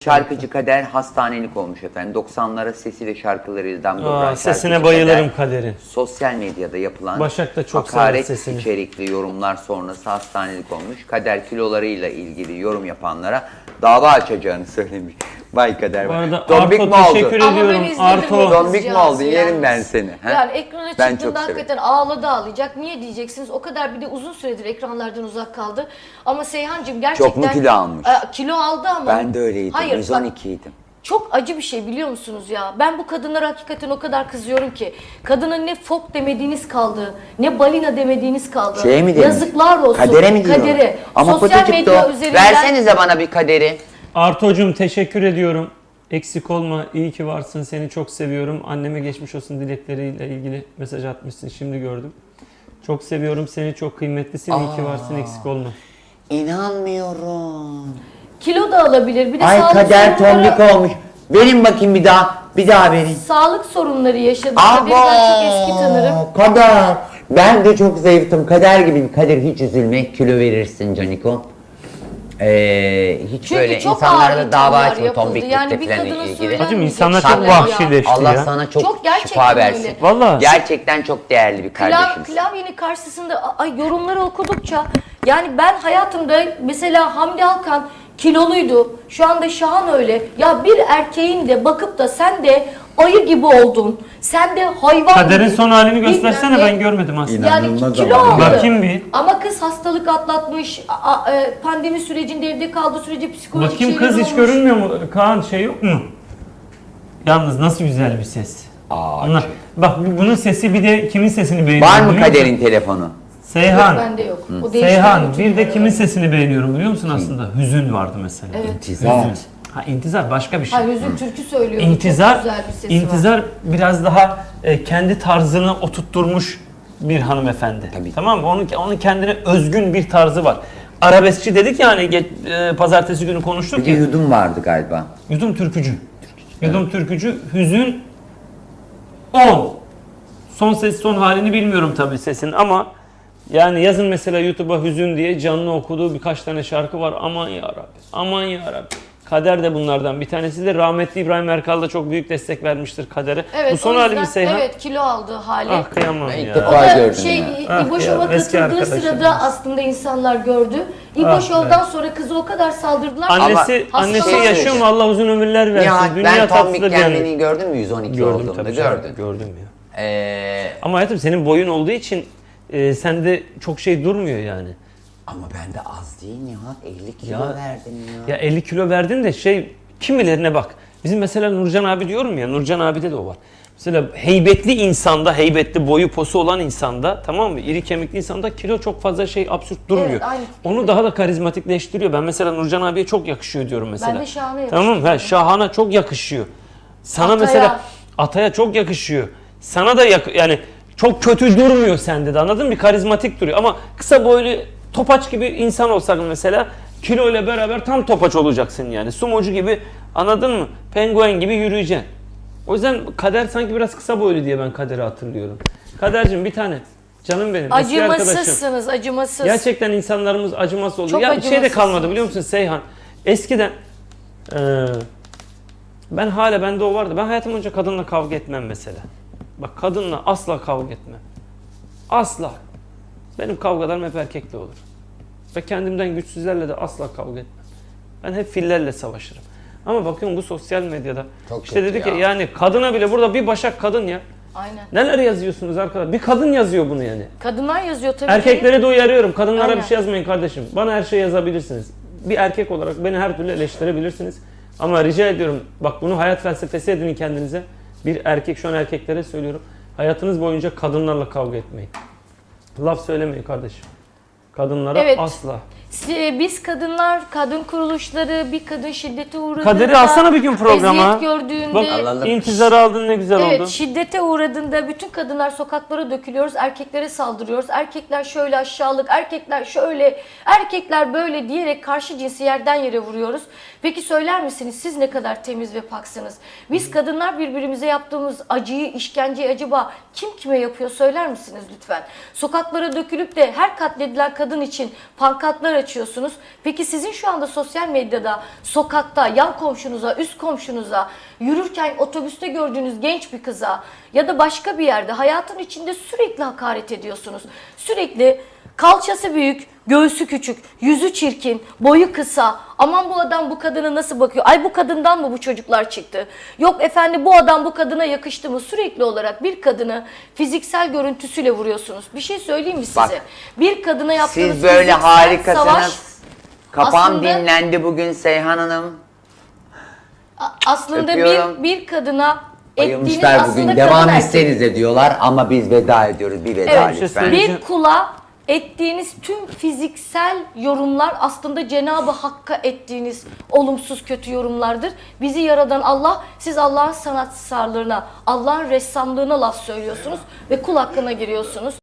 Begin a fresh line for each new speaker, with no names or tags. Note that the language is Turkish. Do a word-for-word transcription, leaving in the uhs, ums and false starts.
Şarkıcı Kader hastanelik olmuş efendim. doksanlara sesi ve şarkılarıyla damga vuran
Sesine bayılırım Kader'in.
Sosyal medyada yapılan
Başak da çok
hakaret
sesini.
içerikli yorumlar sonrası hastanelik olmuş. Kader kilolarıyla ilgili yorum yapanlara dava açacağını söylemiş. Vay Kader.
Bu arada
Dombik
Arto
mi oldun?
teşekkür
Ama ben
ediyorum.
izledim
Arto.
o
Dombik mi
kızcağızı
oldun? Yerim
yalnız.
ben seni. he?
Yani ekrana
Ben
çıktığında
çok
hakikaten ağladı ağlayacak. Niye diyeceksiniz? O kadar bir de uzun süredir ekranlardan uzak kaldı. Ama Seyhan'cığım gerçekten...
Çok mu kilo almış?
E, kilo aldı ama...
Ben de öyleydim.
Hayır,
yüz on
bak,
ikiydim.
çok acı bir şey biliyor musunuz ya? Ben bu kadınlara hakikaten o kadar kızıyorum ki. Kadına ne fok demediğiniz kaldı, ne balina demediğiniz kaldı.
Şeye mi demiş?
Yazıklar olsun.
Kadere mi diyor?
Kadere.
Ama
Sosyal
fotoğrafta
medya
o.
üzerinden...
Versenize bana bir Kaderi.
Arto'cum teşekkür ediyorum. Eksik olma, iyi ki varsın, seni çok seviyorum. Anneme geçmiş olsun dilekleriyle ilgili mesaj atmışsın, şimdi gördüm. Çok seviyorum seni, çok kıymetlisin, iyi ki varsın, eksik olma.
İnanmıyorum.
Kilo da alabilir. Bir de
Ay
sağlık
Kader
sorunları-
tombik olmuş. Verin bakayım bir daha. Bir daha verin.
Sağlık sorunları yaşadı. Kader'i ben çok eski tanırım.
Kader. Ben de çok zayıftım. Kader gibiyim. Kader hiç üzülme. Kilo verirsin Caniko. Ee, hiç
Çünkü
böyle
çok
insanlarla
ağır
dava
ithamlar
açma
yapıldı.
tombiklikle
Yani bir
falan
kadına
ilgili.
söylenmeyecek
Hacım insanlar çok
şeyler ya.
vahşileşti
Allah
ya.
sana çok,
Çok gerçekten
şifa versin.
öyle.
Vallahi.
Gerçekten çok değerli bir
Klav,
kardeşimsin.
klavyenin karşısında ay, yorumları okudukça yani ben hayatımda mesela Hamdi Alkan kiloluydu. Şu anda Şahan öyle. Ya bir erkeğin de bakıp da sen de ayı gibi oldun. Sen de hayvan
Kader'in
gibi.
son halini göstersene,
Bilmem ne.
ben görmedim aslında.
Yani
İnanılmaz
kilo
ama.
aldı.
Bakayım bir.
Ama kız hastalık atlatmış. a- a- e, pandemi sürecinde evde kaldığı sürece psikolojik
Bakayım
şeyler
kız hiç
olmuş.
görünmüyor mu? Kaan şey yok mu? Yalnız nasıl güzel bir ses.
Aa,
Onlar, bak bunun sesi bir de kimin sesini beğeniyorum
Var mı
biliyor musun?
Kader'in telefonu?
Seyhan.
Bende yok. O değişti
Seyhan
bütün
bir de
numaralar.
kimin sesini beğeniyorum biliyor musun aslında? Hüzün vardı mesela.
Evet.
İntizar.
Hüzün. Ha intizar başka bir şey.
Hayır, Hüzün türkü söylüyor.
İntizar,
Çok güzel bir sesi var.
intizar biraz daha e, kendi tarzını oturtturmuş bir hanımefendi.
Tabii.
Tamam mı? Onun, onun kendine özgün bir tarzı var. Arabeskçi dedik yani ge- e, pazartesi günü konuştuk
Bir de
ya.
yudum vardı galiba.
Yudum türkücü. Yudum türkücü. Hüzün on. Son ses son halini bilmiyorum tabii sesin ama yani yazın mesela YouTube'a Hüzün diye canlı okuduğu birkaç tane şarkı var. Aman ya Rabbi. Aman ya Rabbi. Kader de bunlardan bir tanesi de rahmetli İbrahim Erkal da çok büyük destek vermiştir Kader'e.
Evet,
Bu son
o
hali
yüzden-
mi Seyhan?
Evet, kilo aldı hali.
Ah kıyamam
Ben ilk
ya.
defa-
O da
gördüm
şey,
ya.
Ah
İbo
ya,
Show'a
eski
katıldığı
arkadaşım.
sırada aslında insanlar gördü. İbo
Ah
Show'dan sonra kızı o kadar saldırdılar. ki-
Annesi,
Ama
annesi
hastalığı-
yaşıyor mu? Allah uzun ömürler versin.
Nihat
Dünya
ben
tatlısı
tombik
bir yani.
kendini gördün mü? yüz on iki
Gördüm
olduğumda
tabii. canım,
gördün.
Gördüm ya.
Ee,
Ama hayatım senin boyun olduğu için e, sende çok şey durmuyor yani.
ama ben de az değil Nihat. elli kilo
Ya-
verdim ya.
Ya elli kilo verdin de şey kimilerine bak. Bizim mesela Nurcan abi diyorum ya, Nurcan abide de o var. Mesela heybetli insanda, heybetli boyu posu olan insanda, tamam mı? İri kemikli insanda kilo çok fazla şey absürt durmuyor.
Evet, aynı.
Onu daha da karizmatikleştiriyor. Ben mesela Nurcan abiye çok yakışıyor diyorum mesela.
Ben de Şahan'a
Tamam mı? Ha, Şahan'a çok yakışıyor. Sana
Ataya.
mesela Ataya çok yakışıyor. Sana da yak yani çok kötü durmuyor sende de, anladın mı? Bir karizmatik duruyor ama kısa boylu topaç gibi insan olsak mesela kilo ile beraber tam topaç olacaksın yani. Sumocu gibi, anladın mı? Penguen gibi yürüyeceksin. O yüzden Kader sanki biraz kısa boylu diye ben Kader'i hatırlıyorum. Kader'cim bir tane. Canım benim. Eski arkadaşım.
Acımasızsınız, acımasız.
Gerçekten insanlarımız acımasız oldu.
Çok
Ya bir şey de
acımasızsınız.
kalmadı biliyor musun Seyhan? Eskiden eee, ben hala bende o vardı. Ben hayatım boyunca kadınla kavga etmem mesela. Bak kadınla asla kavga etmem. Asla. Benim kavgalarım hep erkekle olur. Ve kendimden güçsüzlerle de asla kavga etmem. Ben hep fillerle savaşırım. Ama bakıyorum bu sosyal medyada
Çok
işte
kötü
dedik
ya.
ya yani kadına bile burada bir başak kadın ya.
Aynen.
Neler yazıyorsunuz arkadaşlar? Bir kadın yazıyor bunu yani.
Kadınlar yazıyor tabii.
Erkekleri de uyarıyorum. Kadınlara
Aynen.
bir şey yazmayın kardeşim. Bana her şey yazabilirsiniz. Bir erkek olarak beni her türlü eleştirebilirsiniz. Ama rica ediyorum bak bunu hayat felsefesi edinin kendinize. Bir erkek, şu an erkeklere söylüyorum. Hayatınız boyunca kadınlarla kavga etmeyin. Laf söylemeyin kardeşim. Kadınlara
Evet.
asla.
Si- Biz kadınlar, kadın kuruluşları, bir kadın şiddete uğradığında,
Kader'i alsana bir gün programa.
eziyet gördüğünde,
Bak
Alalım.
intizarı aldın ne güzel
evet,
oldu.
şiddete uğradığında bütün kadınlar sokaklara dökülüyoruz, erkeklere saldırıyoruz. Erkekler şöyle aşağılık, erkekler şöyle, erkekler böyle diyerek karşı cinsi yerden yere vuruyoruz. Peki söyler misiniz siz ne kadar temiz ve paksınız? Biz kadınlar birbirimize yaptığımız acıyı, işkenceyi acaba kim kime yapıyor söyler misiniz lütfen? Sokaklara dökülüp de her katledilen kadın için pankartlar açıyorsunuz. Peki sizin şu anda sosyal medyada, sokakta, yan komşunuza, üst komşunuza, yürürken otobüste gördüğünüz genç bir kıza ya da başka bir yerde hayatın içinde sürekli hakaret ediyorsunuz. Sürekli kalçası büyük, göğsü küçük, yüzü çirkin, boyu kısa. Aman bu adam bu kadına nasıl bakıyor? Ay bu kadından mı bu çocuklar çıktı? Yok efendim bu adam bu kadına yakıştı mı? Sürekli olarak bir kadını fiziksel görüntüsüyle vuruyorsunuz. Bir şey söyleyeyim mi size?
Bak,
bir kadına yaptığınız
Siz böyle
fiziksel
harikasınız.
savaş
Kafam
aslında-
dinlendi bugün Seyhan Hanım.
a- aslında
Öpüyorum.
bir bir kadına ettiğiniz
Bayılmışlar
aslında
bugün.
kadın
Devam
erkek.
etsenize diyorlar ama biz veda ediyoruz. Bir veda
Evet,
bir şey
lütfen.
söyleyeceğim.
bir kula ettiğiniz tüm fiziksel yorumlar aslında Cenab-ı Hakk'a ettiğiniz olumsuz kötü yorumlardır. Bizi yaradan Allah, siz Allah'ın sanatsarlığına, Allah'ın ressamlığına laf söylüyorsunuz ve kul hakkına giriyorsunuz.